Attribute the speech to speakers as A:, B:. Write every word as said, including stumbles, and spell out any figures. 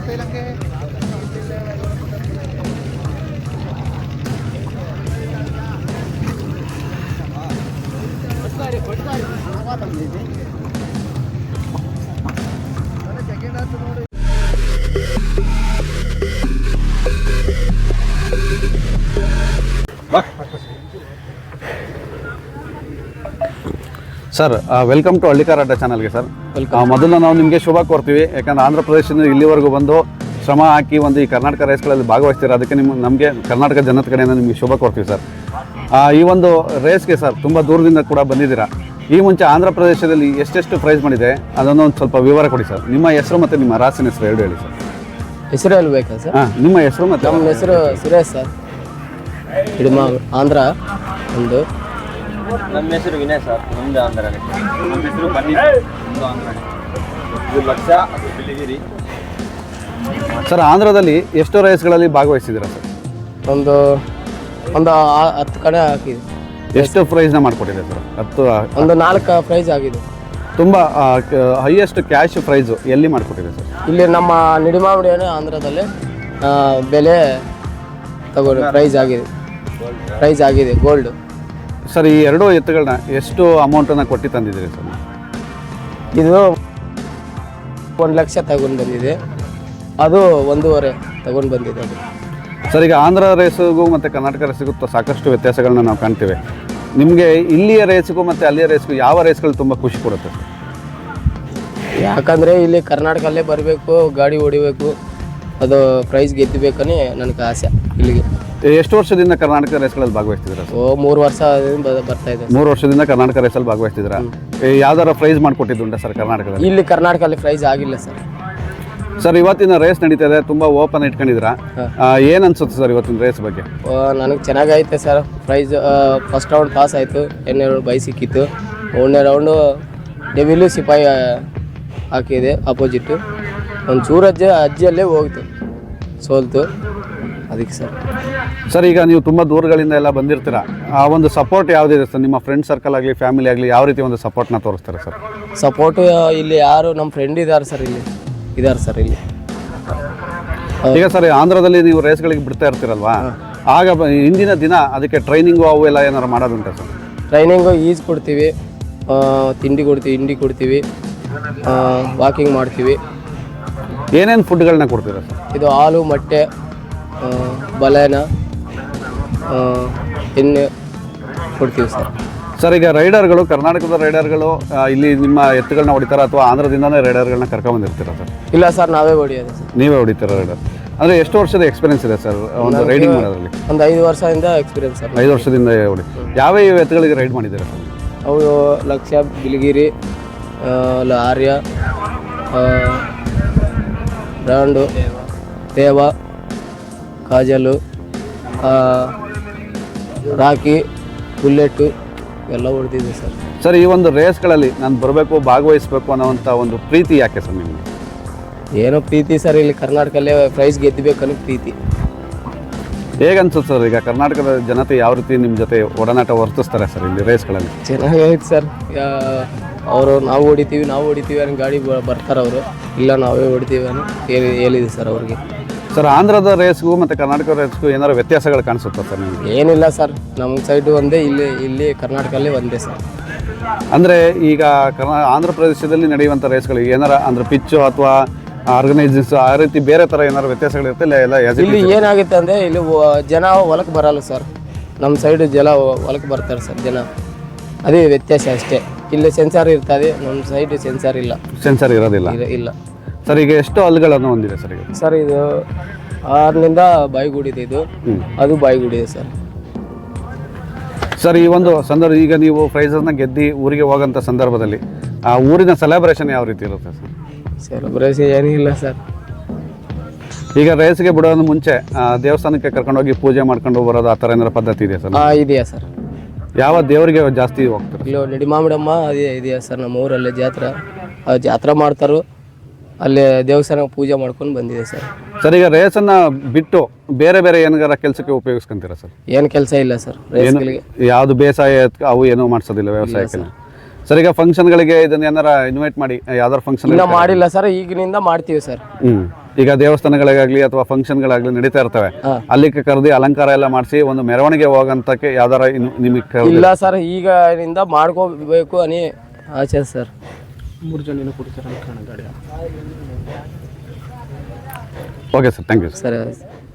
A: Sir welcome to Hallikar ಅಡ್ಡ ಚಾನಲ್ಗೆ sir. ಮೊದಲು ನಾವು ನಿಮಗೆ ಶುಭ ಕೋರ್ತೀವಿ, ಯಾಕಂದ್ರೆ ಆಂಧ್ರ ಪ್ರದೇಶದಿಂದ ಇಲ್ಲಿವರೆಗೂ ಬಂದು ಶ್ರಮ ಹಾಕಿ ಒಂದು ಈ ಕರ್ನಾಟಕ ರೇಸ್ಗಳಲ್ಲಿ ಭಾಗವಹಿಸ್ತೀರ, ಅದಕ್ಕೆ ನಿಮ್ಮ ನಮಗೆ ಕರ್ನಾಟಕ ಜನದ ಕಡೆಯಿಂದ ನಿಮಗೆ ಶುಭ ಕೋರ್ತೀವಿ ಸರ್. ಈ ಒಂದು ರೇಸ್ಗೆ ಸರ್ ತುಂಬ ದೂರದಿಂದ ಕೂಡ ಬಂದಿದ್ದೀರಾ. ಈ ಮುಂಚೆ ಆಂಧ್ರ ಪ್ರದೇಶದಲ್ಲಿ ಎಷ್ಟೆಷ್ಟು ಪ್ರೈಸ್ ಮಾಡಿದೆ ಅದನ್ನು ಒಂದು ಸ್ವಲ್ಪ ವಿವರ ಕೊಡಿ ಸರ್. ನಿಮ್ಮ ಹೆಸರು ಮತ್ತು ನಿಮ್ಮ ರಾಸಿನ ಹೆಸರು ಎರಡು ಹೇಳಿ ಸರ್.
B: ಹೆಸರು ಹೇಳ್ಬೇಕಾ ಸರ್?
A: ಹಾಂ, ನಿಮ್ಮ ಹೆಸರು ಮತ್ತು
B: ನಮ್ಮ ಹೆಸರು ಸುರೇಶ್ ಸರ್, ಹಿಡಿಮ ಆಂಧ್ರ. ಒಂದು
C: ನಮ್ಮ ಹೆಸರು ವಿನಯ್ ಸರ್, ನಮ್ಮದು ಆಂಧ್ರ. ನಮ್ಮ ಹೆಸರು ಬನ್ನಿ, ನಮ್ಮದು ಆಂಧ್ರ. ಇದು ಲಕ್ಷ, ಅದು ಬಿಳಿಗಿರಿ.
A: ಸರ್, ಆಂಧ್ರದಲ್ಲಿ ಎಷ್ಟು ರೇಸ್ಗಳಲ್ಲಿ ಭಾಗವಹಿಸಿದ್ದೀರಾ ಸರ್?
B: ಒಂದು ಒಂದು ಹತ್ತು ಕಡೆ ಹಾಕಿದೆ.
A: ಎಷ್ಟು ಪ್ರೈಸ್ನ ಮಾಡಿಕೊಟ್ಟಿದೆ ಸರ್? ಹತ್ತು
B: ಒಂದು ನಾಲ್ಕು ಪ್ರೈಸ್ ಆಗಿದೆ.
A: ತುಂಬ ಹೈಯೆಸ್ಟ್ ಕ್ಯಾಶ್ ಪ್ರೈಸು ಎಲ್ಲಿ ಮಾಡಿಕೊಟ್ಟಿದೆ ಸರ್?
B: ಇಲ್ಲಿ ನಮ್ಮ ನಿಡಿಮಾವಡಿಯನ್ನು ಆಂಧ್ರದಲ್ಲಿ ಬೆಲೆ ತಗೊಂಡು ಪ್ರೈಸ್ ಆಗಿದೆ, ಪ್ರೈಸ್ ಆಗಿದೆ ಗೋಲ್ಡ್.
A: ಸರ್, ಈ ಎರಡೂ ಎತ್ತುಗಳನ್ನ ಎಷ್ಟು ಅಮೌಂಟನ್ನು ಕೊಟ್ಟು ತಂದಿದ್ದೀರಿ ಸರ್?
B: ಇದು ಒಂದು ಲಕ್ಷ ತಗೊಂಡು ಬಂದಿದೆ, ಅದು ಒಂದೂವರೆ ತಗೊಂಡು ಬಂದಿದೆ ಅದು.
A: ಸರ್, ಈಗ ಆಂಧ್ರ ರೇಸಿಗೂ ಮತ್ತು ಕರ್ನಾಟಕ ರೇಸಿಗೂ ಸಾಕಷ್ಟು ವ್ಯತ್ಯಾಸಗಳನ್ನ ನಾವು ಕಾಣ್ತೀವಿ. ನಿಮಗೆ ಇಲ್ಲಿಯ ರೇಸಿಗೂ ಮತ್ತು ಅಲ್ಲಿಯ ರೇಸ್ಗೂ ಯಾವ ರೇಸ್ಗಳು ತುಂಬ ಖುಷಿ ಕೊಡುತ್ತೆ ಸರ್?
B: ಯಾಕಂದರೆ ಇಲ್ಲಿ ಕರ್ನಾಟಕಲ್ಲೇ ಬರಬೇಕು, ಗಾಡಿ ಹೊಡಿಬೇಕು, ಅದು ಪ್ರೈಸ್ ಗೆದ್ದಬೇಕನೇ ನನಗೆ ಆಸೆ. ಇಲ್ಲಿಗೆ
A: ಎಷ್ಟು ವರ್ಷದಿಂದ ಕರ್ನಾಟಕ ರೇಸ್ಗಳಲ್ಲಿ ಭಾಗವಹಿಸ್ತಿದ್ದೀರಾ ಸರ್?
B: ಓ ಮೂರು ವರ್ಷ ಬರ್ತಾ ಇದೆ.
A: ಮೂರು ವರ್ಷದಿಂದ ಕರ್ನಾಟಕ ರೇಸಲ್ಲಿ ಭಾಗವಹಿಸ್ತಿದ್ದೀರಾ. ಯಾವ್ದಾರ ಪ್ರೈಸ್ ಮಾಡಿಕೊಟ್ಟಿದ್ದುಂಟಾ ಸರ್ ಕರ್ನಾಟಕದಲ್ಲಿ?
B: ಇಲ್ಲಿ ಕರ್ನಾಟಕದಲ್ಲಿ ಪ್ರೈಸ್ ಆಗಿಲ್ಲ ಸರ್.
A: ಸರ್, ಇವತ್ತಿನ ರೇಸ್ ನಡೀತಾ ಇದೆ, ತುಂಬ ಓಪನ್ ಇಟ್ಕೊಂಡಿದ್ದೀರಾ. ಏನು ಅನ್ಸುತ್ತೆ ಸರ್ ಇವತ್ತಿನ ರೇಸ್ ಬಗ್ಗೆ?
B: ನನಗೆ ಚೆನ್ನಾಗೈತೆ sir. Prize first round pass ಆಯಿತು, ಎರಡನೇ ರೌಂಡ್ ಬೈ ಸಿಕ್ಕಿತ್ತು, ಮೂರನೇ ರೌಂಡು ಡೆವಿಲು ಸಿಪಾಯಿ ಹಾಕಿದೆ ಆಪೋಸಿಟ್ಟು. ಒಂದು ಚೂರು ಅಜ್ಜಿ ಅಜ್ಜಿಯಲ್ಲೇ ಹೋಗ್ತು, ಸೋಲ್ತು ಅದಕ್ಕೆ ಸರ್.
A: ಸರ್, ಈಗ ನೀವು ತುಂಬ ದೂರಗಳಿಂದ ಎಲ್ಲ ಬಂದಿರ್ತೀರಾ, ಆ ಒಂದು ಸಪೋರ್ಟ್ ಯಾವುದಿದೆ ಸರ್? ನಿಮ್ಮ ಫ್ರೆಂಡ್ ಸರ್ಕಲ್ ಆಗಲಿ ಫ್ಯಾಮಿಲಿ ಆಗಲಿ ಯಾವ ರೀತಿ ಒಂದು ಸಪೋರ್ಟ್ನ ತೋರಿಸ್ತಾರೆ ಸರ್?
B: ಸಪೋರ್ಟು ಇಲ್ಲಿ ಯಾರು ನಮ್ಮ ಫ್ರೆಂಡ್ ಇದ್ದಾರೆ ಸರ್, ಇಲ್ಲಿ ಇದ್ದಾರೆ ಸರ್ ಇಲ್ಲಿ.
A: ಈಗ ಸರ್, ಆಂಧ್ರದಲ್ಲಿ ನೀವು ರೇಸ್ಗಳಿಗೆ ಬಿಡ್ತಾ ಇರ್ತೀರಲ್ವಾ, ಆಗ ಹಿಂದಿನ ದಿನ ಅದಕ್ಕೆ ಟ್ರೈನಿಂಗು ಅವು ಎಲ್ಲ ಏನಾರು ಮಾಡೋದುಂಟಾ ಸರ್?
B: ಟ್ರೈನಿಂಗು ಈಜ್ ಕೊಡ್ತೀವಿ, ತಿಂಡಿ ಕೊಡ್ತೀವಿ, ಹಿಂಡಿ ಕೊಡ್ತೀವಿ, ವಾಕಿಂಗ್ ಮಾಡ್ತೀವಿ.
A: ಏನೇನು ಫುಡ್ಗಳನ್ನ ಕೊಡ್ತೀರಾ ಸರ್?
B: ಇದು ಹಾಲು, ಮೊಟ್ಟೆ, ಬಲೆನ, ಎಣ್ಣೆ ಕೊಡ್ತೀವಿ ಸರ್.
A: ಸರ್, ಈಗ ರೈಡರ್ಗಳು, ಕರ್ನಾಟಕದ ರೈಡರ್ಗಳು ಇಲ್ಲಿ ನಿಮ್ಮ ಎತ್ತುಗಳನ್ನ ಹೊಡಿತಾರ ಅಥವಾ ಆಂಧ್ರದಿಂದನೇ ರೈಡರ್ಗಳನ್ನ ಕರ್ಕೊಂಡ್ಬಂದಿರ್ತೀರಾ ಸರ್?
B: ಇಲ್ಲ ಸರ್, ನಾವೇ ಹೊಡಿಯೋದು ಸರ್.
A: ನೀವೇ ಹೊಡಿತೀರ ರೈಡರ್? ಅಂದರೆ ಎಷ್ಟು ವರ್ಷದ ಎಕ್ಸ್ಪೀರಿಯನ್ಸ್ ಇದೆ ಸರ್ ಒಂದು ರೈಡಿಂಗ್ ಮಾಡೋದ್ರಲ್ಲಿ?
B: ಒಂದು ಐದು ವರ್ಷದಿಂದ ಎಕ್ಸ್ಪೀರಿಯನ್ಸ್ ಸರ್.
A: ಐದು ವರ್ಷದಿಂದ ಹೊಡಿ. ಯಾವ್ಯಾವ ಎತ್ತುಗಳಿಗೆ ರೈಡ್ ಮಾಡಿದ್ದೀರಾ ಸರ್?
B: ಅವು ಲಕ್ಷ, ಬಿಳಿಗಿರಿ, ಆರ್ಯ, ಬ್ರಾಂಡು, ದೇವ, ಕಾಜಲು, ರಾಕಿ, ಬುಲ್ಲೆಟ್ಟು ಎಲ್ಲ ಹೊಡೆದಿದೆ ಸರ್.
A: ಸರ್, ಈ ಒಂದು ರೇಸ್ಗಳಲ್ಲಿ ನಾನು ಬರಬೇಕು, ಭಾಗವಹಿಸಬೇಕು ಅನ್ನೋವಂಥ ಒಂದು ಪ್ರೀತಿ ಯಾಕೆ ಸರ್ ನಿಮಗೆ?
B: ಏನೋ ಪ್ರೀತಿ ಸರ್, ಇಲ್ಲಿ ಕರ್ನಾಟಕಲ್ಲೇ ಪ್ರೈಸ್ ಗೆದ್ದಬೇಕನ್ನೋ ಪ್ರೀತಿ.
A: ಹೇಗೆ ಅನ್ಸುತ್ತೆ ಸರ್, ಈಗ ಕರ್ನಾಟಕದ ಜನತೆ ಯಾವ ರೀತಿ ನಿಮ್ಮ ಜೊತೆ ಒಡನಾಟ ವರ್ತಿಸ್ತಾರೆ ಸರ್ ಇಲ್ಲಿ ರೇಸ್ಗಳಲ್ಲಿ?
B: ಚೆನ್ನಾಗೈತೆ ಸರ್. ಅವರು ನಾವು ಹೊಡಿತೀವಿ ನಾವು ಹೊಡಿತೀವಿ ಅನ್ನೋ ಗಾಡಿ ಬರ್ತಾರೆ ಅವರು, ಇಲ್ಲ ನಾವೇ ಹೊಡಿತೀವಿ ಅನ್ನೋ ಹೇಳಿ ಹೇಳಿದೆ ಸರ್ ಅವ್ರಿಗೆ.
A: ಸರ್, ಆಂಧ್ರದ ರೇಸ್ಗೂ ಮತ್ತು ಕರ್ನಾಟಕ ರೇಸ್ಗೂ ಏನಾದ್ರು ವ್ಯತ್ಯಾಸಗಳು ಕಾಣಿಸುತ್ತಾ ಸರ್ ನಿಮಗೆ?
B: ಏನಿಲ್ಲ ಸರ್, ನಮ್ಮ ಸೈಡು ಒಂದೇ, ಇಲ್ಲಿ ಇಲ್ಲಿ ಕರ್ನಾಟಕಲ್ಲೇ ಒಂದೇ ಸರ್.
A: ಅಂದರೆ ಈಗ ಕರ್ನಾ ಆಂಧ್ರ ಪ್ರದೇಶದಲ್ಲಿ ನಡೆಯುವಂಥ ರೇಸ್ಗಳು ಏನಾರ ಅಂದರೆ ಪಿಚ್ಚು ಅಥವಾ ಆರ್ಗನೈಸರ್ಸ್ ಆ ರೀತಿ ಬೇರೆ ಥರ ಏನಾದ್ರು ವ್ಯತ್ಯಾಸಗಳಿರುತ್ತೆ ಇಲ್ಲ? ಎಲ್ಲ
B: ಇಲ್ಲಿ ಏನಾಗುತ್ತೆ ಅಂದರೆ ಇಲ್ಲಿ ಜನ ಹೊಲಕ್ಕೆ ಬರಲ್ಲ ಸರ್, ನಮ್ಮ ಸೈಡು ಜನ ಹೊಲಕ್ಕೆ ಬರ್ತಾರೆ ಸರ್ ಜನ, ಅದೇ ವ್ಯತ್ಯಾಸ ಅಷ್ಟೇ. ಇಲ್ಲಿ ಸೆನ್ಸಾರ್ ಇರ್ತದೆ, ನಮ್ಮ ಸೈಡ್ ಸೆನ್ಸಾರ್ ಇಲ್ಲ.
A: ಸೆನ್ಸಾರ್ ಇರೋದಿಲ್ಲ
B: ಇಲ್ಲ
A: ಸರ್. ಈಗ ಎಷ್ಟು ಹಲ್ಗಳನ್ನು ಹೊಂದಿದೆ ಸರ್? ಈಗ
B: ಸರ್ ಇದು ಆರಿನಿಂದ ಬಾಯಿಗೂಡಿದೆ, ಇದು ಅದು ಬಾಯಿಗೂಡಿದೆ ಸರ್.
A: ಸರ್, ಈ ಒಂದು ಸಂದರ್ಭ ಈಗ ನೀವು ಪ್ರೈಸಸ್ನ ಗೆದ್ದು ಊರಿಗೆ ಹೋಗೋಂಥ ಸಂದರ್ಭದಲ್ಲಿ ಆ ಊರಿನ ಸೆಲೆಬ್ರೇಷನ್ ಯಾವ ರೀತಿ ಇರುತ್ತೆ ಸರ್?
B: ಸೆಲೆಬ್ರೇಷನ್ ಏನಿಲ್ಲ ಸರ್.
A: ಈಗ ರೇಸ್ಗೆ ಬಿಡೋದು ಮುಂಚೆ ದೇವಸ್ಥಾನಕ್ಕೆ ಕರ್ಕೊಂಡೋಗಿ ಪೂಜೆ ಮಾಡ್ಕೊಂಡು ಬರೋದು ಆ ಥರ ಏನಾರ ಪದ್ಧತಿ ಇದೆಯಾ ಸರ್?
B: ಹಾಂ, ಇದೆಯಾ ಸರ್.
A: ಯಾವ ದೇವರಿಗೆ ಜಾಸ್ತಿ ಹೋಗ್ತಾರೆ?
B: ಇಲ್ಲಿ ನಿಡಿಮಾಮಿಡಮ್ಮ ಅದೇ ಇದೆಯಾ ಸರ್, ನಮ್ಮ ಊರಲ್ಲಿ ಜಾತ್ರೆ, ಅದು ಜಾತ್ರೆ ಮಾಡ್ತಾರೋ ಅಲ್ಲಿ ದೇವಸ್ಥಾನ ಪೂಜೆ ಮಾಡ್ಕೊಂಡು ಬಂದಿದೆ ಸರ್.
A: ಸರ್, ಈಗ ರೇಸನ್ನು ಬಿಟ್ಟು ಬೇರೆ ಬೇರೆ ಏನಾರ ಕೆಲಸಕ್ಕೆ ಉಪಯೋಗಿಸ್ಕೊಂತೀರಾ ಸರ್?
B: ಏನು ಕೆಲಸ ಇಲ್ಲ ಸರ್ ರೇಸ್ಗಳಿಗೆ.
A: ಯಾವುದು ಬೇಸಾಯ ಅವು ಏನೂ ಮಾಡಿಸೋದಿಲ್ಲ ವ್ಯವಸಾಯಕ್ಕೆ? ಸರ್, ಈಗ ಫಂಕ್ಷನ್ಗಳಿಗೆ ಇದನ್ನ ಏನಾರ ಇನ್ವೈಟ್ ಮಾಡಿ ಯಾವ್ದಾರು ಫಂಕ್ಷನ್?
B: ಇಲ್ಲ ಮಾಡಿಲ್ಲ ಸರ್, ಈಗಿನಿಂದ ಮಾಡ್ತೀವಿ ಸರ್.
A: ಹ್ಞೂ ಈಗ ದೇವಸ್ಥಾನಗಳಿಗಾಗಲಿ ಅಥವಾ ಫಂಕ್ಷನ್ಗಳಾಗಲಿ ನಡೀತಾ ಇರ್ತವೆ,
B: ಹಾಂ.
A: ಅಲ್ಲಿಗೆ ಕರೆದು ಅಲಂಕಾರ ಎಲ್ಲ ಮಾಡಿಸಿ ಒಂದು ಮೆರವಣಿಗೆ ಹೋಗಂತಕ್ಕೆ ಯಾವ್ದಾರ ಇನ್ನು ನಿಮಗೆ ಕರೆದು
B: ಇಲ್ಲ ಸರ್, ಈಗ ಇಂದ ಮಾಡ್ಕೋಬೇಕು ಅನಿ ಆಚೆ ಸರ್.
D: ಮೂರು ಜನ ಕೊಡ್ತಾರೆ ಕಾಣ ಗಾಡಿ.
A: Okay sir, thank you.
B: ಸರಿ